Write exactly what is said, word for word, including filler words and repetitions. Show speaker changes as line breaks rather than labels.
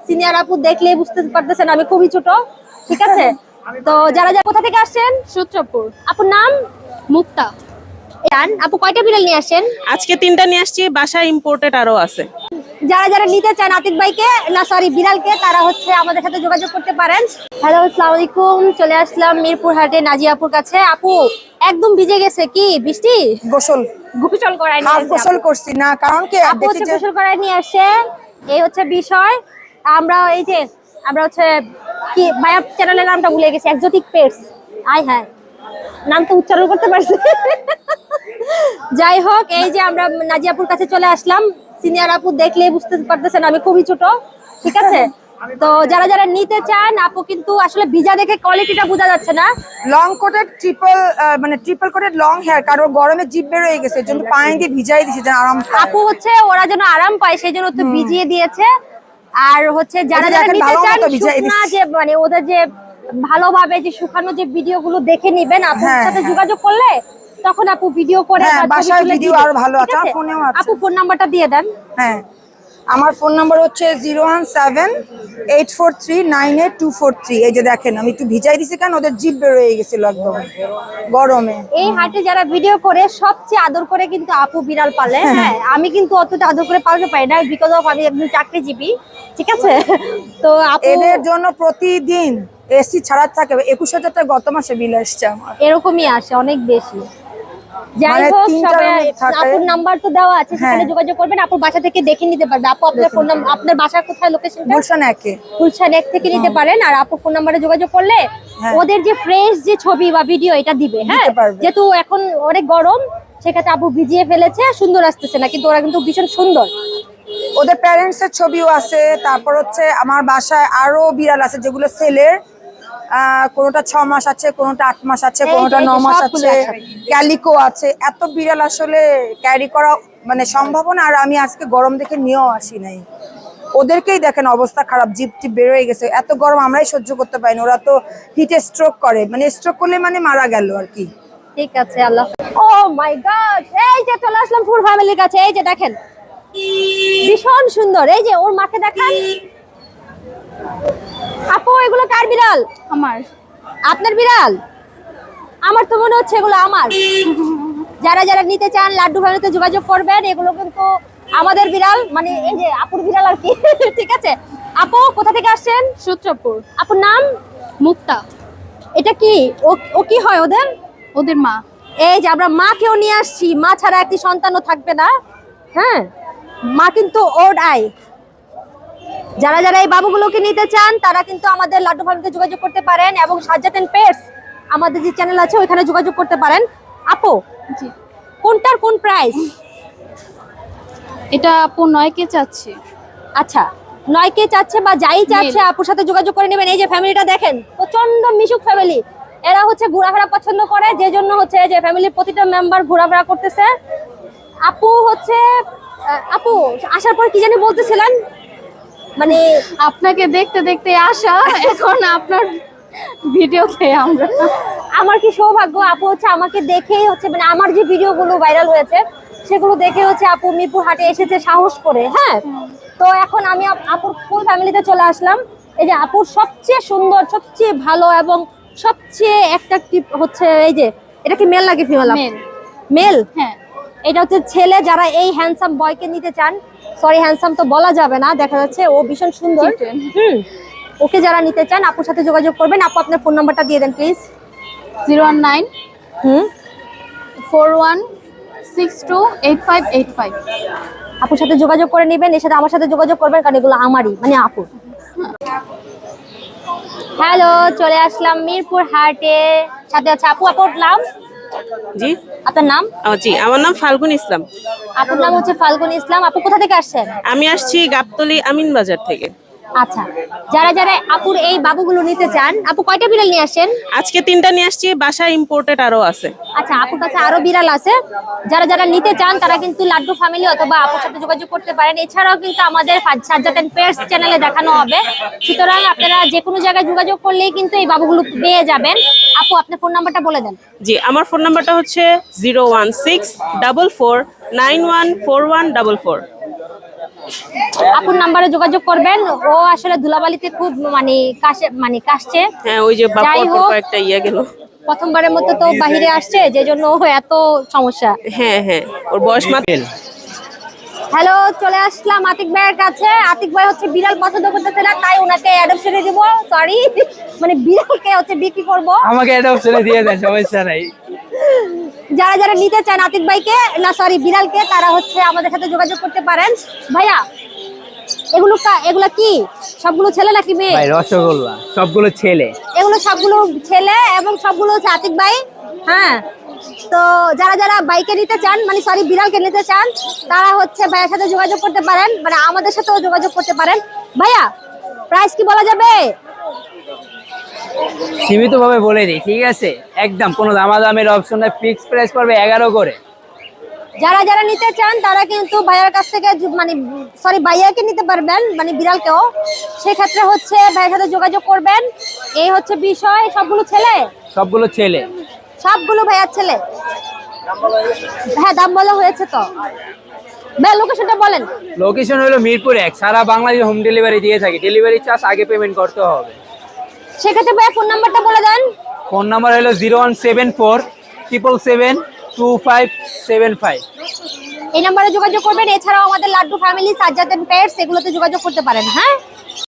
Senior আপু দেখলে বুঝতে পারতেছেন আমি খুবই ছোট, ঠিক আছে? তো যারা যারা কোথা থেকে আসছেন?
সূত্রপুর।
আপুর নাম?
মুক্তা।
আপু কয়টা বিড়াল নিয়ে আসেন?
আজকে তিনটা নিয়ে আসছি, বাসায় ইম্পোর্টেড আরো আছে।
যারা যারা নিতে চান আতিক ভাইকে না সরি বিড়ালকে, তারা হচ্ছে আমাদের সাথে যোগাযোগ করতে পারেন। হ্যালো, আসসালামু আলাইকুম। চলে আসলাম মিরপুর হাটে নাজিয়া আপুর কাছে। আপু একদম ভিজে গেছে, কি বৃষ্টি?
গোসল
গোসল করায় নিয়ে
হাফ
আসছে
গোসল
আপু।
করছি না, কারণ কি
আপু
দেখি
হচ্ছে
যে
গোসল করায় নিয়ে আসছে, এই হচ্ছে বিষয়। আমরা এই যে আমরা হচ্ছে কি ভাইয়া চ্যানেলের নামটা ভুলে গেছি, এক্সোটিক পেটস। আয় হ্যাঁ, নাম তো উচ্চারণ করতে পারছি। যাই হোক, এই যে আমরা নাজিয়াপুর কাছে চলে আসলাম। সিনিয়র আপু দেখলে বুঝতে পারতেছেন আমি খুবই ছোট, ঠিক আছে? তো যারা যারা নিতে চান, আপু কিন্তু আসলে ভিজা দেখে কোয়ালিটিটা বোঝা যাচ্ছে না।
লং কোটেড ট্রিপল মানে ট্রিপল কোটেড লং হেয়ার, কারণ গরমে জিভ বের হয়ে গেছে, এর জন্য পানি দিয়ে ভিজাই দিয়েছে যেন আরাম পায়।
আপু হচ্ছে ওরা যেন আরাম পায় সেই জন্য তো ভিজিয়ে দিয়েছে। আর হচ্ছে যারা
ওদের
যারা
দেখেন
নিতে
ভালো
চান
মতো ভিজাই
শুকনা
দিচ্ছে।
যে মানে ওদের যে ভালোভাবে যে শুকানো যে ভিডিওগুলো দেখে নিবেন, আপুর
হ্যাঁ,
সাথে
হ্যাঁ।
যোগাযোগ করলে তখন আপু ভিডিও করে
হ্যাঁ,
বা ছবি
বাসায়
তুলে
ভিডিও
দিবে,
আরো ভালো
ঠিক
আছে, আমার ফোনেও আছে।
আপু ফোন নাম্বারটা দিয়ে দেন।
হ্যাঁ, আমার ফোন নাম্বার হচ্ছে zero one seven eight four three nine eight two four three. এই যে দেখেন আমি একটু ভিজাই দিছি, কেন ওদের জিভ বের হয়ে গেছিল একদম গরমে।
এই হাটে যারা ভিডিও করে সবচেয়ে আদর করে কিন্তু আপু বিড়াল পালে। হ্যাঁ, আমি কিন্তু অতটা আদর করে পালতে পারি না, বিকজ অফ আমি একজন চাকরিজীবী, ঠিক আছে? তো আপু
এদের জন্য প্রতিদিন এসি ছাড়া থাকে একুশ হাজার টাকা গত মাসে বিল আসছে আমার।
এরকমই আসে, অনেক বেশি। যাই
মানে
হোক,
তিনটা
সবাই
room থাকে।
আপুর নাম্বার তো দেওয়া আছে, সেখানে
হ্যাঁ।
যোগাযোগ করবেন। আপুর বাসা থেকে দেখে নিতে পারবে। আপু আপনার ফোন নাম্বার, আপনার বাসা কোথায়, লোকেশনটা?
গুলশান একে।
গুলশান এক থেকে নিতে পারেন। আর আপু ফোন নাম্বারে যোগাযোগ করলে
হ্যাঁ।
ওদের যে ফ্রেশ যে ছবি বা ভিডিও এটা দিবে। হ্যাঁ,
দিতে পারবে।
যেহেতু এখন অনেক গরম, সেক্ষেত্রে আপু ভিজিয়ে ফেলেছে, সুন্দর আসতেছে না, কিন্তু ওরা কিন্তু ভীষণ সুন্দর।
ওদের প্যারেন্টস এর ছবিও আছে। তারপর হচ্ছে আমার বাসায় আরো বিড়াল আছে যেগুলো সেলের, কোনোটা ছ মাস আছে, কোনোটা আট মাস আছে,
এই
কোনোটা
যে, এই
ন
যে
মাস
সবগুলো
আছে,
একসাথে।
ক্যালিকো আছে। এত বিড়াল আসলে ক্যারি করা মানে সম্ভব না। আর আমি আজকে গরম দেখে নিয়েও আসি নাই। ওদেরকেই দেখেন অবস্থা খারাপ, জিপ টিপ বের হয়ে গেছে। এত গরম আমরাই সহ্য করতে পারি না, ওরা তো হিটে স্ট্রোক করে, মানে স্ট্রোক করলে মানে মারা গেল আর কি।
ঠিক আছে, আল্লাহ। ও মাই গড, এই যে চলে আসলাম ফুল ফ্যামিলির কাছে। এই যে দেখেন, ভীষণ সুন্দর। এই যে ওর মাকে দেখান। আপু এগুলো কার বিড়াল?
আমার।
আপনার বিড়াল? আমার তো মনে হচ্ছে এগুলো আমার। যারা যারা নিতে চান লাড্ডু ফ্যামিলিতে যোগাযোগ করবেন। এগুলো কিন্তু আমাদের বিড়াল, মানে এই যে আপুর বিড়াল আর কি। ঠিক আছে। আপু কোথা থেকে আসছেন?
সূত্রপুর।
আপুর নাম?
মুক্তা।
এটা কি ও ও কি হয় ওদের?
ওদের মা।
এই যে আমরা মাকেও নিয়ে আসছি, মা ছাড়া একটি সন্তানও থাকবে না। হ্যাঁ, মা কিন্তু ওড আই। যারা যারা এই বাবুগুলোকে নিতে চান তারা কিন্তু আমাদের লাড্ডু ফার্মকে যোগাযোগ করতে পারেন, এবং সাজ্জাদ এন্ড পেটস আমাদের যে চ্যানেল আছে ওইখানে যোগাযোগ করতে পারেন। আপু
জি।
কোনটার কোন প্রাইস?
এটা আপু নয় কে চাচ্ছে।
আচ্ছা, নয় কে চাচ্ছে বা যাই চাচ্ছে, আপুর সাথে যোগাযোগ করে নেবেন। এই যে ফ্যামিলিটা দেখেন, প্রচন্ড মিশুক ফ্যামিলি। এরা হচ্ছে ঘোরাফেরা পছন্দ করে, যে জন্য হচ্ছে যে ফ্যামিলির প্রতিটা মেম্বার ঘোরাফেরা করতেছে। আপু হচ্ছে আহ, আপু আসার পর কি জানি বলতেছিলেন, মানে
আপনাকে দেখতে দেখতে আসা, এখন আপনার ভিডিওতে আমরা।
আমার কি সৌভাগ্য, আপু হচ্ছে আমাকে দেখেই হচ্ছে মানে আমার যে ভিডিওগুলো ভাইরাল হয়েছে সেগুলো দেখে হচ্ছে আপু মিরপুর হাটে এসেছে সাহস করে। হ্যাঁ, তো এখন আমি আপ- আপুর ফুল ফ্যামিলিতে চলে আসলাম। এই যে আপুর সবচেয়ে সুন্দর, সবচেয়ে ভালো এবং সবচেয়ে অ্যাট্রাকটিভ হচ্ছে এই যে, এটা কি মেল নাকি ফিমেল?
মেল।
মেল।
হ্যাঁ।
এটা হচ্ছে ছেলে। যারা এই হ্যান্ডসাম বয়কে নিতে চান, সরি হ্যান্ডসাম তো বলা যাবে না, দেখা যাচ্ছে ও ভীষণ সুন্দর।
Kitten।
হুম, ওকে যারা নিতে চান আপুর সাথে যোগাযোগ করবেন। আপু আপনার ফোন নাম্বারটা দিয়ে দেন please.
Zero one nine
hmm,
four one six two eight five eight five.
আপুর সাথে যোগাযোগ করে নেবেন। এর সাথে আমার সাথে যোগাযোগ করবেন, কারণ এগুলো আমারই, মানে আপুর। হ্যালো, চলে আসলাম মিরপুর হাটে, সাথে আছে আপু। আপুর নাম?
জি।
আপনার নাম?
ও জি, আমার নাম ফাল্গুন ইসলাম।
আপুর নাম হচ্ছে ফাল্গুন ইসলাম। আপু কোথা থেকে আসছেন?
আমি আসছি গাবতলী আমিন বাজার থেকে।
আচ্ছা, যারা যারা আপুর এই বাবুগুলো নিতে চান, আপু কয়টা বিড়াল নিয়ে আসেন?
আজকে তিনটা নিয়ে আসছি, বাসায় ইম্পোর্টেড আরো আছে।
আচ্ছা, আপুর কাছে আরো বিড়াল আছে। যারা যারা নিতে চান তারা কিন্তু লাড্ডু ফ্যামিলি অথবা আপুর সাথে যোগাযোগ করতে পারেন। এছাড়াও কিন্তু আমাদের সাজ্জাদ এন্ড পেটস চ্যানেলে দেখানো হবে, সুতরাং আপনারা যে কোনো জায়গায় যোগাযোগ করলেই কিন্তু এই বাবুগুলো পেয়ে যাবেন। আপু আপনার ফোন নাম্বারটা বলে দেন।
জি, আমার ফোন নাম্বারটা হচ্ছে zero one six double four nine one four one double four.
আপুর নাম্বারে যোগাযোগ করবেন। ও আসলে ধুলাবালিতে খুব মানে কাশে মানে কাশছে।
হ্যাঁ ওই যে
যাই
বাপর
হোক।
কয়েকটা ইয়ে গেল।
প্রথমবারের মতো তো বাহিরে আসছে, যে জন্য ও এত সমস্যা।
হ্যাঁ হ্যাঁ ওর বয়স মাত্র।
হ্যালো, চলে আসলাম আতিক ভাইয়ের কাছে। আতিক ভাই হচ্ছে বিড়াল পছন্দ করতেছে না, তাই ওনাকে অ্যাডপশনে দিব। সরি, মানে বিড়ালকে হচ্ছে বিক্রি করব।
আমাকে এটা অপশনে দিয়ে দেন, সমস্যা নাই।
যারা যারা নিতে চান আতিক ভাইকে, না সরি বিড়ালকে, তারা হচ্ছে আমাদের সাথে যোগাযোগ করতে পারেন। ভাইয়া এগুলো কা- এগুলো কি সবগুলো ছেলে নাকি মেয়ে?
ভাই রসগোল্লা সবগুলো ছেলে।
এগুলো সবগুলো ছেলে এবং সবগুলো হচ্ছে আতিক ভাই। হ্যাঁ, তো যারা যারা বাইকে নিতে চান, মানে সরি বিড়ালকে নিতে চান, তারা হচ্ছে ভাইয়ের সাথে যোগাযোগ করতে পারেন, মানে আমাদের সাথেও যোগাযোগ করতে পারেন। ভাইয়া প্রাইস কি বলা যাবে?
সীমিত ভাবে বলে দিই, ঠিক আছে? একদম কোনো দামাদামের অপশন নাই, ফিক্স প্রাইস পড়বে এগারো করে।
যারা যারা নিতে চান তারা কিন্তু ভাইয়ার কাছ থেকে যু- মানে সরি ভাইয়াকে নিতে পারবেন, মানে বিড়ালকেও। সেক্ষেত্রে হচ্ছে ভাইয়ের সাথে যোগাযোগ করবেন। এই হচ্ছে বিষয়। সবগুলো ছেলে?
সবগুলো ছেলে।
সবগুলো ভাইয়ার ছেলে? হ্যাঁ, দাম বলা হয়েছে তো। ভাই লোকেশনটা বলেন।
লোকেশন হলো মিরপুর এক, সারা বাংলাদেশে হোম ডেলিভারি দিয়ে থাকি। ডেলিভারি চার্জ আগে পেমেন্ট করতে হবে।
সেক্ষেত্রে ভাইয়া ফোন নাম্বারটা বলে দেন।
ফোন নাম্বার হলো zero one seven four triple seven two five seven five.
এই নাম্বারে যোগাযোগ করবেন। এছাড়াও আমাদের Laddu family, Sajjad and pets, এগুলোতে যোগাযোগ করতে পারেন। হ্যাঁ।